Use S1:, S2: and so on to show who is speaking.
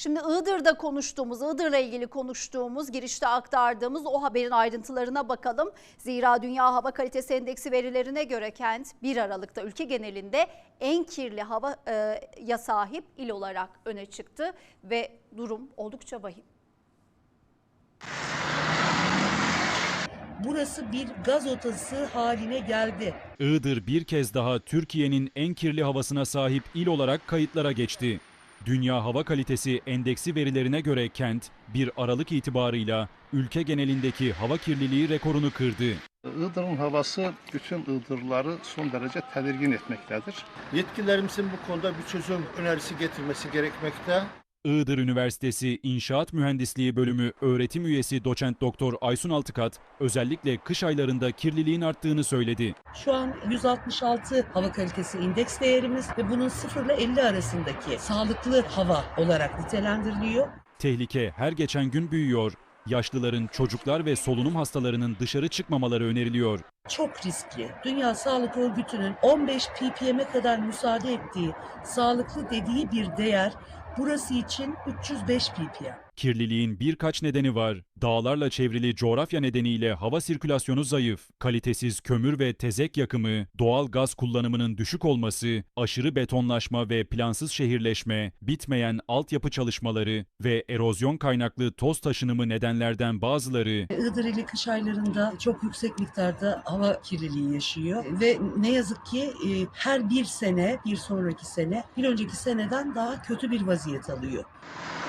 S1: Şimdi Iğdır'la ilgili konuştuğumuz, girişte aktardığımız o haberin ayrıntılarına bakalım. Zira Dünya Hava Kalitesi Endeksi verilerine göre kent 1 Aralık'ta ülke genelinde en kirli havaya sahip il olarak öne çıktı ve durum oldukça vahim.
S2: Burası bir gaz otası haline geldi.
S3: Iğdır bir kez daha Türkiye'nin en kirli havasına sahip il olarak kayıtlara geçti. Dünya Hava Kalitesi Endeksi verilerine göre kent 1 Aralık itibarıyla ülke genelindeki hava kirliliği rekorunu kırdı.
S4: Iğdır'ın havası bütün Iğdırlıları son derece tedirgin etmektedir.
S5: Yetkililerimizin bu konuda bir çözüm önerisi getirmesi gerekmekte.
S3: Iğdır Üniversitesi İnşaat Mühendisliği Bölümü öğretim üyesi doçent doktor Aysun Altıkat özellikle kış aylarında kirliliğin arttığını söyledi.
S2: Şu an 166 hava kalitesi indeks değerimiz ve bunun 0 ile 50 arasındaki sağlıklı hava olarak nitelendiriliyor.
S3: Tehlike her geçen gün büyüyor. Yaşlıların, çocuklar ve solunum hastalarının dışarı çıkmamaları öneriliyor.
S2: Çok riskli. Dünya Sağlık Örgütü'nün 15 ppm'e kadar müsaade ettiği, sağlıklı dediği bir değer burası için 305 ppm.
S3: Kirliliğin birkaç nedeni var. Dağlarla çevrili coğrafya nedeniyle hava sirkülasyonu zayıf, kalitesiz kömür ve tezek yakımı, doğal gaz kullanımının düşük olması, aşırı betonlaşma ve plansız şehirleşme, bitmeyen altyapı çalışmaları ve erozyon kaynaklı toz taşınımı nedenlerden bazıları.
S2: Iğdır ili kış aylarında çok yüksek miktarda hava kirliliği yaşıyor ve ne yazık ki her bir sene, bir sonraki sene, bir önceki seneden daha kötü bir vaziyet alıyor.